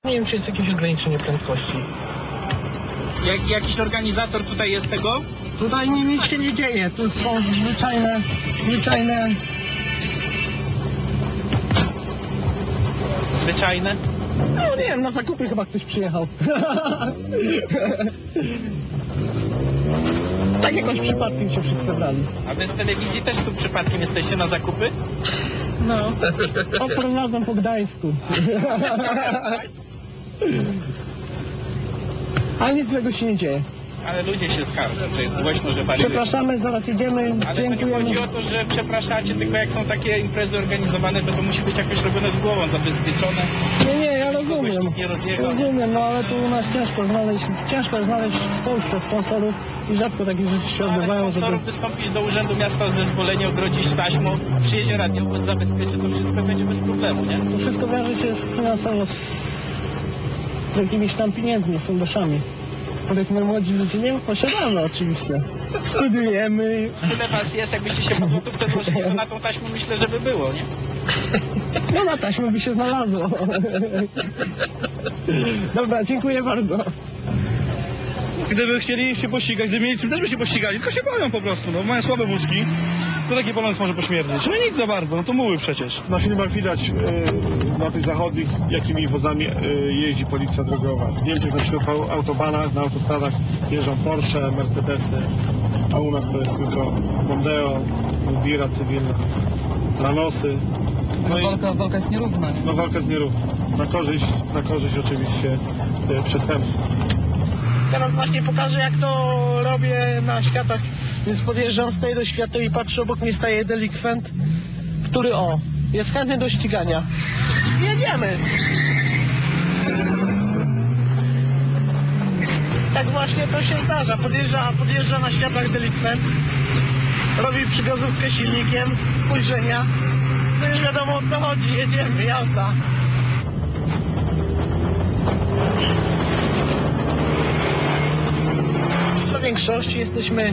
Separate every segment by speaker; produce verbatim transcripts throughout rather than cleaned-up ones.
Speaker 1: Nie wiem, czy jest jakieś ograniczenie prędkości.
Speaker 2: Jak, jakiś organizator tutaj jest tego?
Speaker 1: Tutaj nic się nie dzieje, tu są zwyczajne, zwyczajne...
Speaker 2: Zwyczajne?
Speaker 1: No nie wiem, na zakupy chyba ktoś przyjechał. Tak jakoś przypadkiem się wszyscy brali.
Speaker 2: A wy z telewizji też tu przypadkiem jesteście na zakupy?
Speaker 1: No, oprowadzam po Gdańsku. A nic złego się nie dzieje.
Speaker 2: Ale ludzie się skarżą, że jest głośno, że bariuje.
Speaker 1: Przepraszamy, zaraz idziemy,
Speaker 2: Ale to nie
Speaker 1: dziękujemy.
Speaker 2: chodzi o to, że przepraszacie, tylko jak są takie imprezy organizowane, to to musi być jakoś robione z głową, zabezpieczone.
Speaker 1: Nie, nie, ja
Speaker 2: Kogoś
Speaker 1: rozumiem.
Speaker 2: nikt nie rozjechał.
Speaker 1: Rozumiem, no ale tu u nas ciężko znaleźć, ciężko znaleźć w Polsce sponsorów i rzadko takie rzeczy się
Speaker 2: Ale
Speaker 1: odbywają, żeby...
Speaker 2: sponsorów wystąpić do Urzędu Miasta o zezwolenie, ogrodzić taśmą, przyjedzie radiowóz, zabezpieczy, to wszystko będzie bez problemu, nie?
Speaker 1: To wszystko wiąże się finansowo z, z jakimiś tam pieniędzmi, funduszami, których my młodzi ludzie nie posiadamy oczywiście. Studiujemy.
Speaker 2: Tyle was jest, jakbyście się po złotówce złożyli, to na tą taśmę myślę, że by było, nie?
Speaker 1: No na taśmę by się znalazło. Dobra, dziękuję bardzo.
Speaker 3: Gdyby chcieli się pościgać, gdyby mieli czym, też by się pościgali, tylko się boją po prostu, no mają słabe wózki. Co taki polonez może pośmierdzieć? No nic za bardzo, no to muły przecież.
Speaker 4: Na filmach widać e, na tych zachodnich, jakimi wozami e, jeździ policja drogowa. W Niemczech na ślub autobanach, na autostradach jeżdżą Porsche, Mercedesy, a u nas to jest tylko Mondeo, Bira cywilna, Lanosy. No, i,
Speaker 5: Walka, walka jest nierówna, nie?
Speaker 4: no walka jest nierówna. Na korzyść, na korzyść oczywiście e, przestępców.
Speaker 1: Teraz właśnie pokażę, jak to robię na światach, więc podjeżdżam z tej do światła i patrzę, obok mnie staje delikwent, który o, jest chętny do ścigania. Jedziemy! Tak właśnie to się zdarza, podjeżdża, podjeżdża na światłach delikwent, robi przygazówkę silnikiem, spojrzenia, no już wiadomo, o co chodzi, jedziemy, jazda. W większości jesteśmy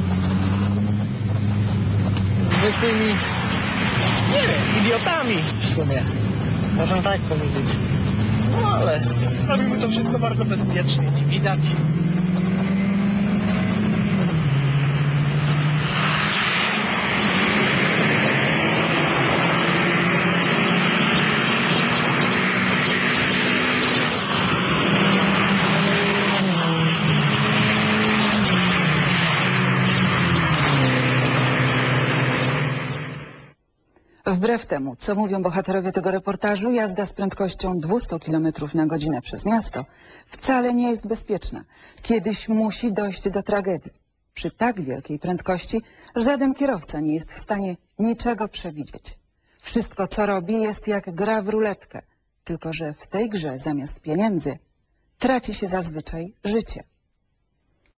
Speaker 1: zwykłymi, nie wiem, idiotami w sumie. Można tak powiedzieć. No ale robimy to wszystko bardzo bezpiecznie, nie widać.
Speaker 5: Wbrew temu, co mówią bohaterowie tego reportażu, jazda z prędkością dwieście kilometrów na godzinę przez miasto wcale nie jest bezpieczna. Kiedyś musi dojść do tragedii. Przy tak wielkiej prędkości żaden kierowca nie jest w stanie niczego przewidzieć. Wszystko, co robi, jest jak gra w ruletkę, tylko że w tej grze zamiast pieniędzy traci się zazwyczaj życie.